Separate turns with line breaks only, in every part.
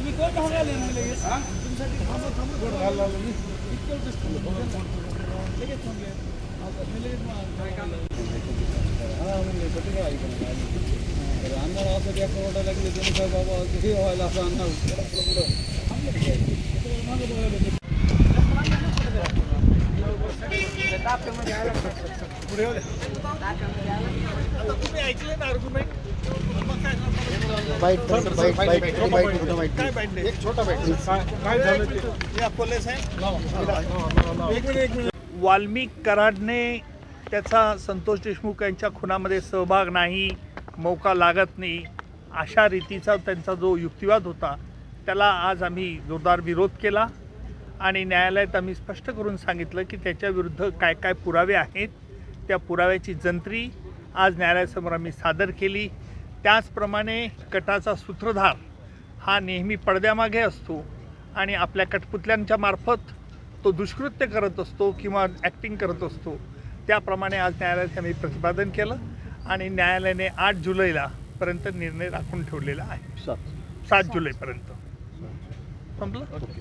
वाल्मिक कराडने त्याचा संतोष देशमुख यांच्या खुनामध्ये सहभाग नाही, मौका लागत नाही अशा रीतीचा त्यांचा जो युक्तिवाद होता त्याला आज आम्ही जोरदार विरोध केला आणि न्यायालयात आम्ही स्पष्ट करून सांगितलं की त्याच्याविरुद्ध काय काय पुरावे आहेत, त्या पुराव्याची जंत्री आज न्यायालयासमोर आम्ही सादर केली। त्याचप्रमाणे कटाचा सूत्रधार हा नेहमी पडद्यामागे असतो आणि आपल्या कठपुतल्यांच्या मार्फत तो दुष्कृत्य करत असतो किंवा ॲक्टिंग करत असतो, त्याप्रमाणे आज न्यायालयात आम्ही प्रतिपादन केलं आणि न्यायालयाने 8 जुलैला पर्यंत निर्णय राखून ठेवलेला आहे। 7 जुलैपर्यंत संपलं।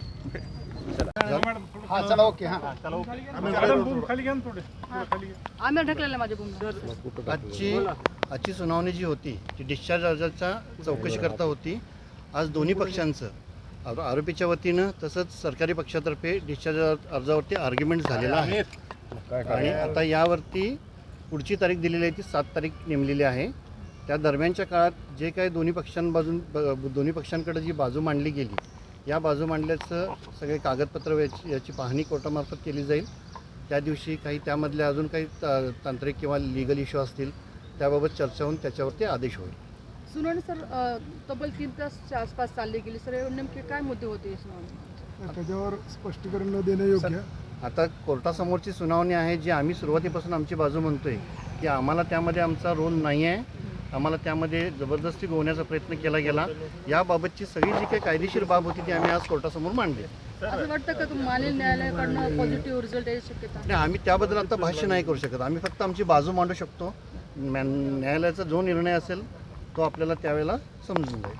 आजची सुनावणी जी होती ती डिस्चार्ज अर्जाच्या चौकशी करता होती। आज दोन्ही पक्षांचं आरोपीच्या वतीनं तसंच सरकारी पक्षातर्फे डिस्चार्ज अर्जावरती आर्ग्युमेंट झालेला आहे आणि आता यावरती पुढची तारीख दिलेली आहे ती 7 तारीख नेमलेली आहे। त्या दरम्यानच्या काळात जे काही दोन्ही पक्षांकडे जी बाजू मांडली गेली, या बाजू मांडल्याचं सगळे कागदपत्र याची पाहणी कोर्टामार्फत केली जाईल। त्या दिवशी काही त्यामधले अजून काही तांत्रिक किंवा लीगल इश्यू असतील त्याबाबत चर्चा होऊन त्याच्यावरती आदेश होईल।
सुनावणी सर तब्बल 3 तासच्या आसपास चालली गेली सर, नेमके काय मुद्दे होते सुनावणी?
त्याच्यावर स्पष्टीकरण न देणं योग्य।
आता कोर्टासमोरची सुनावणी आहे जी आम्ही सुरुवातीपासून आमची बाजू म्हणतोय की आम्हाला त्यामध्ये आमचा रोल नाही आहे, आम्हाला त्यामध्ये जबरदस्ती गोवण्याचा प्रयत्न केला गेला। याबाबतची सगळी जी काही कायदेशीर बाब होती ती आम्ही आज कोर्टासमोर मांडली।
असं वाटतं का तुम्ही मानेल न्यायालयाकडनं पॉझिटिव्ह रिझल्ट यायची शक्यता?
नाही, आम्ही त्याबद्दल आता भाष्य नाही करू शकत। आम्ही फक्त आमची बाजू मांडू शकतो। न्यायालयाचा जो निर्णय असेल तो आपल्याला त्यावेळेला समजून जाईल।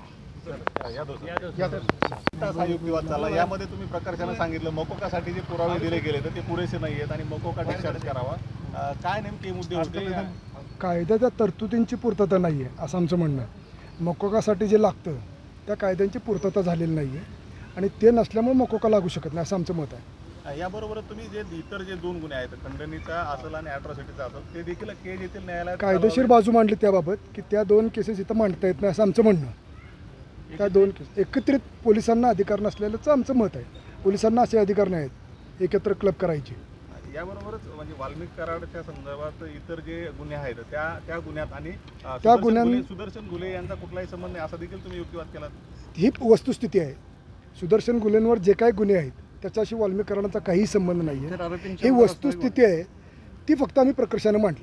हा युक्तिवाद चालला, यामध्ये तुम्ही प्रकर्षानं सांगितलं मकोकासाठी जे पुरावे दिले गेले तर ते पुरेसे नाही आहेत आणि मकोका डिस्चार्ज करावा, काय नेमके मुद्दे होते?
कायद्याच्या तरतुदींची पूर्तता नाही आहे असं आमचं म्हणणं आहे। मकोकासाठी जे लागतं त्या कायद्यांची पूर्तता झालेली नाही आहे आणि ते नसल्यामुळे मकोका लागू शकत नाही असं आमचं मत आहे।
याबरोबरच तुम्ही जे इतर जे 2 गुन्हे आहेत, खंडणीचा असेल आणि ॲट्रॉसिटीचा असेल, ते देखील केज येथील न्यायालयात
कायदेशीर बाजू मांडली त्याबाबत की त्या 2 केसेस इथं मांडता येत नाही असं आमचं म्हणणं आहे। त्या 2 केस एकत्रित पोलिसांना अधिकार नसलेलंच आमचं मत आहे। पोलिसांना असे अधिकार नाही आहेत एकत्र क्लब करायचे।
याबरोबरच म्हणजे वाल्मिक कराडच्या संदर्भात इतर जे गुन्हे आहेत त्या गुन्ह्यात आणि सुदर्शन घुले यांचा कुठलाही संबंध नाही असा देखील तुम्ही युक्तिवाद केला।
ही वस्तुस्थिती आहे। सुदर्शन गुलेंवर जे काही गुन्हे आहेत त्याच्याशी वाल्मिक कराडांचा काही संबंध नाही आहे। ही वस्तुस्थिती आहे, ती फक्त आम्ही प्रकर्षाने मांडली।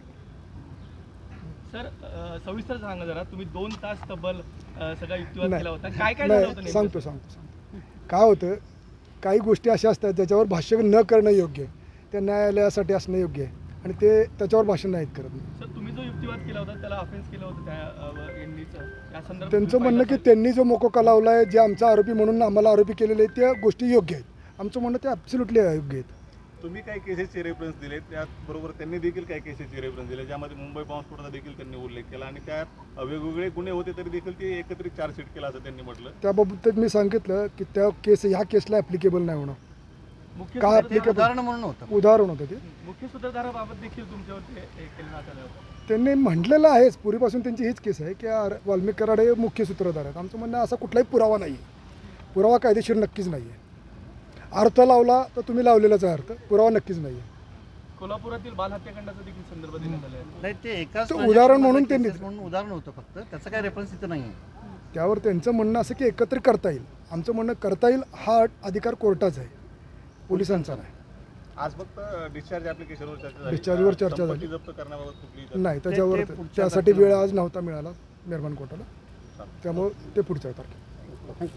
सर सविस्तर सांगा जरा, तुम्ही 2 तास तब्बल सगळा युक्तिवाद केला होता, काय काय
नाही,
झालं होतं?
सांगतो काय होतं, काही गोष्टी अशा असतात ज्याच्यावर भाष्य न करणं योग्य आहे, त्या न्यायालयासाठी असणं योग्य आहे आणि ते त्याच्यावर भाषण नाहीत करत।
सर तुम्ही जो युक्तिवाद केला होता त्याला ऑफेन्स केलं होतं त्या संदर्भात
त्यांचं म्हणणं की त्यांनी जो मोकोका लावला आहे, जे आमचा आरोपी म्हणून आम्हाला आरोपी केलेले आहेत त्या गोष्टी योग्य आहेत। आमचं म्हणणं ते ॲब्सोल्युटली अयोग्य आहेत।
तुम्ही काही केसेसचे रेफरन्स दिले, त्याचबरोबर त्यांनी देखील काही केसेसचे रेफरन्स दिले ज्यामध्ये मुंबई बॉम्बस्फोटाचा देखील त्यांनी उल्लेख केला आणि त्यात वेगवेगळे गुन्हे होते तरी देखील ते एकत्रित चार्जशीट केला असं त्यांनी म्हटलं।
त्याबाबत मी सांगितलं की त्या केस ह्या केसला ॲप्लिकेबल नाही होणार।
मुख्य
उदाहरण म्हणून होतं
उदाहरण होतं ते
मुख्य सूत्रधाराबाबत देखील तुमच्यावरती केलं आलं होतं।
त्यांनी म्हटलेलं आहेच, पूर्वीपासून त्यांची हीच केस आहे की वाल्मिक कराड हे मुख्य सूत्रधार आहेत। आमचं म्हणणं असा कुठलाही पुरावा नाही आहे, पुरावा कायदेशीर नक्कीच नाही आहे। अर्थ लावला तर तुम्ही लावलेलाच आहे अर्थ, पुरावा नक्कीच नाही आहे।
कोल्हापुरातील बाल हत्याकांडाचा देखील संदर्भ देण्यात आला आहे।
नाही, ते एकाच
उदाहरण म्हणून त्यांनी
उदाहरण होतं फक्त, त्याचं काही रेफरन्स इथं नाही आहे।
त्यावर त्यांचं म्हणणं असं की एकत्रित करता येईल। आमचं म्हणणं करता येईल हा अधिकार कोर्टाचा आहे, पोलिसांचा नाही।
आज फक्त डिस्चार्ज ॲप्लिकेशनवर चर्चा झाली,
डिस्चार्जवर चर्चा झाली
जप्त करण्याबाबत कुठली
नाही, त्याच्यावर त्यासाठी वेळ आज नव्हता मिळाला मेहरबान कोर्टाला, त्यामुळे ते पुढच्या तारखेला